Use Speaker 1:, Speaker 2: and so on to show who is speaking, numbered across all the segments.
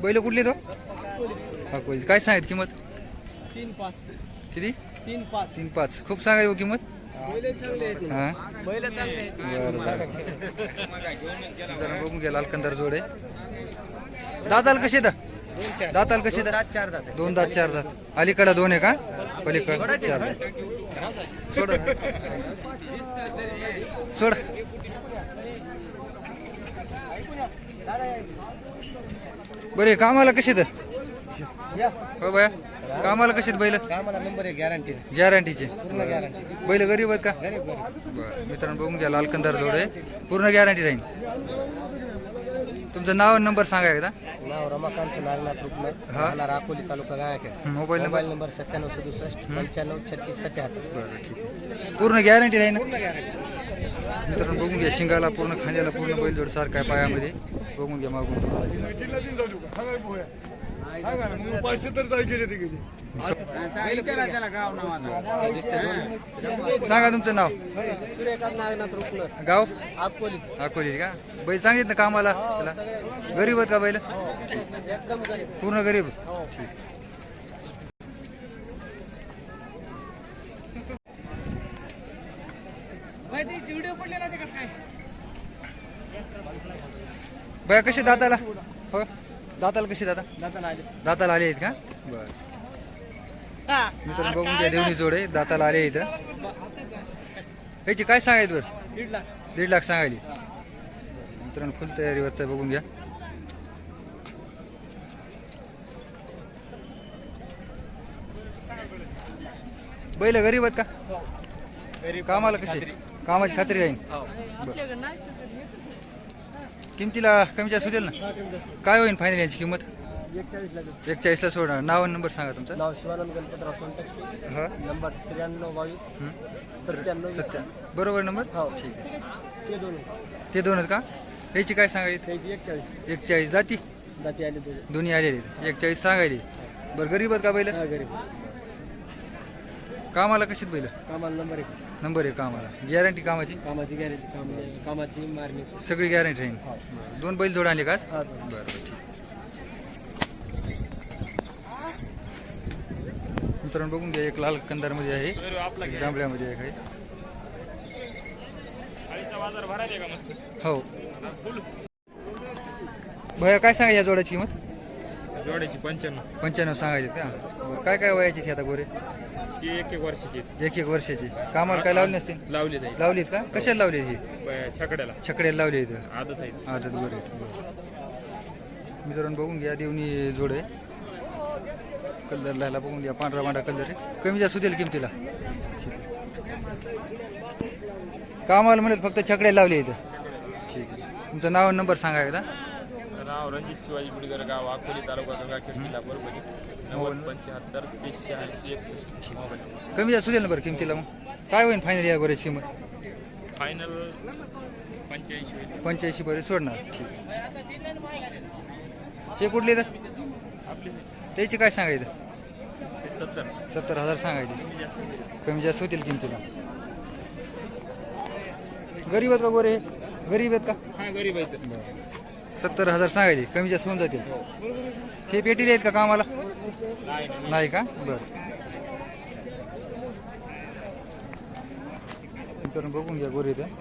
Speaker 1: बैल कुठली तो अकोली काय सांगित किंमत
Speaker 2: 3-5
Speaker 1: किती
Speaker 2: 3-5
Speaker 1: 3-5 खूप सांगाय हो किंमत
Speaker 2: बैल चांगले आहेत
Speaker 1: हां
Speaker 2: बैल चांगले आहेत
Speaker 1: बरं बरं जरा बघून घ्या लालकंदार जोडे दाताल कसे दा दाताल कसे दा
Speaker 2: 4 दात
Speaker 1: 2 दात 4 दात अलीकडे 2 आहे का पलीकडे 4 दात सोड सोड बरे कामाला कसे दा हो बाया कामाला कसे बैल
Speaker 2: कामाला नंबर 1 गॅरंटी
Speaker 1: गॅरंटीचे
Speaker 2: गॅरंटी
Speaker 1: बैल गरीब आहेत का बरं मित्रांनो बघून घ्या लालकंदार जोड आहे पूर्ण गॅरंटी राहील तुमचं नाव आणि नंबर सांगा एकदा
Speaker 2: नाव रमाकांत नागनाथ रुपमे
Speaker 1: हा.
Speaker 2: राहणार अकोली तालुका गायक
Speaker 1: मोबाईल नंबर
Speaker 2: नंबर 9767 953677
Speaker 1: बरं ठीक आहे पूर्ण गॅरंटी राहील ना मित्रांनो बघून घ्या शिंगाला पूर्ण खांद्याला पूर्ण बैलजोड सारखा आहे पायामध्ये बघून घ्या मागून सांगा तुमचं नाव
Speaker 2: सूर्यकांत नागनाथ रुपमे
Speaker 1: गाव
Speaker 2: अकोली
Speaker 1: अकोली का बैल सांगित ना कामाला त्याला गरीब आहेत का बैल
Speaker 2: एकदम गरीब
Speaker 1: पूर्ण गरीब
Speaker 2: व्हिडिओ पडले ना ते कसं काय
Speaker 1: बया कसे दाताला हो दाताला कसे दादा
Speaker 2: दाताला आले
Speaker 1: दाताला आले आहेत का बरं मित्रांनो बघून घ्या देवणी जोड आहे दाताला आले इथं याची काय सांगायचं बरं
Speaker 2: 1.5 लाख
Speaker 1: 1.5 लाख सांगायली मित्रांनो फुल तयारीवरचा बघून घ्या बैल गरीब आहेत का कामाला कशी कामाची खात्री राहील किमतीला कमी जास्त होतील ना काय होईल फायनल यांची किंमत
Speaker 2: 41 लाख
Speaker 1: 41 ला सोडा नाव आणि नंबर सांगा तुमचा
Speaker 2: नाव शिवानंद गणपतराव सोनटक्के
Speaker 1: हा
Speaker 2: नंबर 9322 97
Speaker 1: सत्या बरोबर नंबर
Speaker 2: हो.
Speaker 1: ठीक आहे
Speaker 2: ते दोन
Speaker 1: ते दोन आहेत का याची काय सांगायची
Speaker 2: त्याची 41
Speaker 1: 41 दाती
Speaker 2: दाती आले दोन
Speaker 1: दोन्ही आलेले 41 सांगायली बरं गरीब आहेत का बैल
Speaker 2: हा गरीब
Speaker 1: कामाला कशीत बैल
Speaker 2: कामाला नंबर 1
Speaker 1: नंबर आहे कामाला गॅरंटी कामाची
Speaker 2: कामाची गॅरंटी कामाची मारणी
Speaker 1: सगळी गॅरंटी राहील दोन बैल जोड आणले का आज?
Speaker 2: हा
Speaker 1: बरं बरं ठीक मित्रांनो बघून घ्या एक लाल कंदारमध्ये आहे एक जांभळ्यामध्ये आहे काही हो भैया काय सांगा या जोड्याची किंमत
Speaker 3: जोड्याची 95
Speaker 1: 95 सांगायची का बरं काय काय वयाची ती आता गोरे
Speaker 3: ही 1 वर्षाची
Speaker 1: 1 वर्षाची कामाला काय लावली नसतील
Speaker 3: लावली नाही
Speaker 1: लावलीत का कशाला लावली ही
Speaker 3: छकड्याला
Speaker 1: छकड्याला लावली इथं
Speaker 3: आदत आहे
Speaker 1: आदत गोरे मित्रांनो बघून घ्या देवणी जोड आहे कलर लायला बघून घ्या पांढरा पांढरा कलर आहे कमी जास्त होतील किमतीला ठीक आहे कामाला म्हणत फक्त छकडे लावले इथं ठीक आहे तुमचं नाव आणि नंबर सांगा एकदा
Speaker 3: नाव रणजित शिवाजी बुडगर गाव अकोली तालुका गंगाखेड जिल्हा परभणी 9075 3086 मोबाईल
Speaker 1: कमी जास्त होतील ना बरं किमतीला मग काय होईल फायनल या गोऱ्याची किंमत
Speaker 3: फायनल 85 होईल
Speaker 1: 85 पर्यंत सोडणार ठीक आहे हे कुठले तर त्याची काय सांगायचं 70,000 सांगायचे कमी जास्त होतील किमतीला गरीब आहेत का गोरे गरीब आहेत का
Speaker 3: हा गरीब आहे
Speaker 1: 70,000 सांगायचे कमी जास्त होऊन जातील हे पेटीले आहेत का कामाला नाही का बरं मित्रांनो बघून घ्या गोरे इथं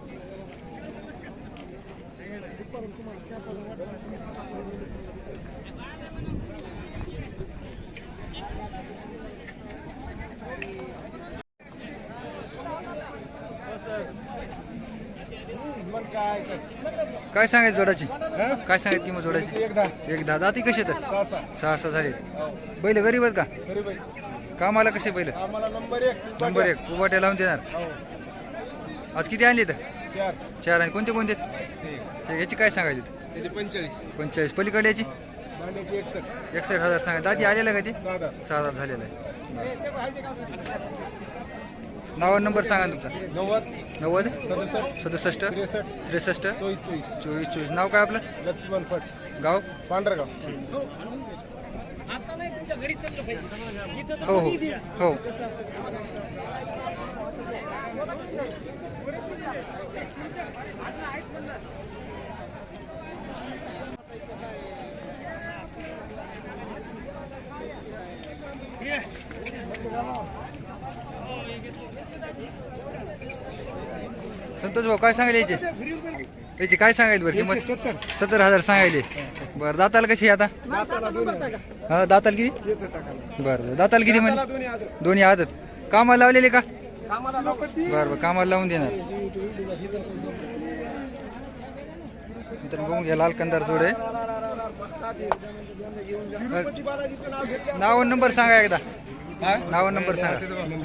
Speaker 1: काय सांगायचं जोडाची काय सांगायचं किंमत जोडाची एक दाती कशी तर 6 झाले बैल गरीब आहेत का कामाला कसे बैल नंबर 1 उभाट्या लावून देणार आज किती आणले तर 4 आणि कोणते कोणते याची काय सांगायची 45 पलीकडे याची 61,000 सांगा दादी आलेला का ते 6 झालेला आहे नाव नंबर सांगा तुमचा 90 67 63 24 नाव काय आपलं
Speaker 2: लक्ष्मण फट
Speaker 1: गाव
Speaker 2: पांढरगाव
Speaker 1: हो हो हो संतोष भाऊ काय सांगायला याची काय सांगायला बरं किंमत 70,000 सांगायले. बरं दाताला कशी आहे आता? हा दाताला किती? बरं दाताला किती म्हणजे? दोन्ही आदत. कामाला लावलेले का? बरं कामाला लावून देणार. तर बघून घ्या लाल कंदार जोडे. नाव नंबर सांगा एकदा. नाव नंबर सांगा.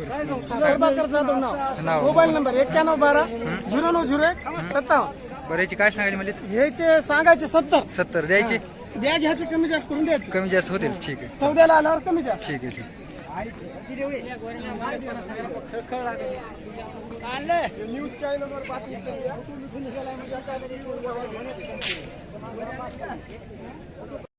Speaker 1: नाव
Speaker 2: मोबाईल नंबर 9112-0901-57.
Speaker 1: बरं याची काय सांगायला म्हणजे?
Speaker 2: घ्यायचे सांगायचे
Speaker 1: 70 द्यायची.
Speaker 2: द्या घ्यायचे कमी जास्त करून द्यायचे.
Speaker 1: कमी जास्त होतील. ठीक आहे
Speaker 2: चौद्याला आल्यावर कमी जास्त.
Speaker 1: ठीक आहे ठीक.
Speaker 2: न्यूज चॅनलवर बातमी